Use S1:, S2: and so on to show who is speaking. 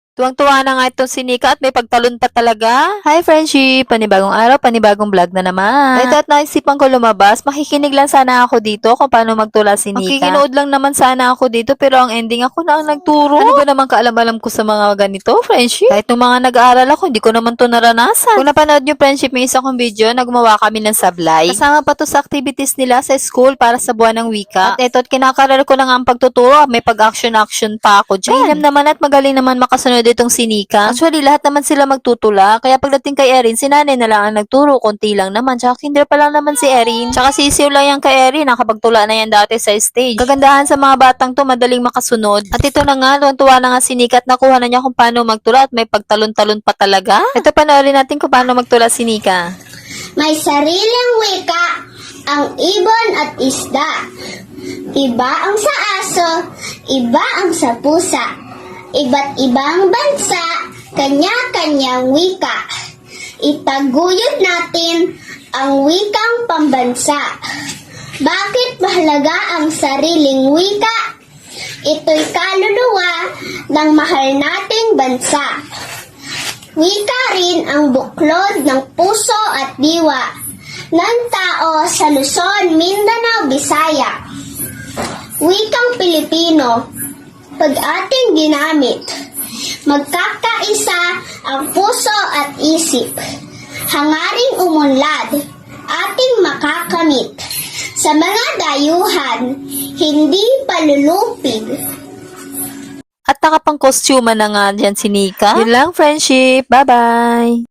S1: Tuwang-tuwa na nga itong si Nika at may pagtalon pa talaga. Hi friendship! Panibagong araw, panibagong vlog na naman. Ito at naisipan ko lumabas, makikinig lang sana ako dito kung paano magtula si Nika. Makikinood lang naman sana ako dito pero ang ending ako na ang nagturo. Ano ba naman kaalam-alam ko sa mga ganito, friendship? Kahit nung mga nag-aaral ako, hindi ko naman to naranasan. Kung napanood nyo friendship, may isa kong video na gumawa kami ng sablay. Kasama pa to sa activities nila sa school para sa buwan ng wika. At ito, kinakaral ko na nga ang pagtuturo, may pag-action-action pa ako dyan. Mahinam naman at magaling naman makasunod itong si Nika. Actually, lahat naman sila magtutula. Kaya pagdating kay Erin, si nanay na lang ang nagturo. Konti lang naman. Tsaka kinder pa lang naman si Erin. Tsaka sisiw lang yan kay Erin. Nakapagtula na yan dati sa stage. Kagandahan sa mga batang to, madaling makasunod. At ito na nga, tuwa na nga si Nika at nakuha na niya kung paano magtula at may pagtalon-talon pa talaga. Ito, panoorin natin kung paano magtula si Nika.
S2: May sariling wika ang ibon at isda. Iba ang sa aso, iba ang sa pusa. Iba't ibang bansa, kanya-kanyang wika. Itaguyod natin ang wikang pambansa. Bakit mahalaga ang sariling wika? Ito'y kaluluwa ng mahal nating bansa. Wika rin ang buklod ng puso at diwa ng tao sa Luzon, Mindanao, Bisaya. Wikang Pilipino, pag ating ginamit, magkakaisa ang puso at isip. Hangaring umunlad, ating makakamit. Sa mga dayuhan, hindi palulupig.
S1: At nakapang-costume na nga dyan si Nika. Yun lang, friendship. Bye-bye!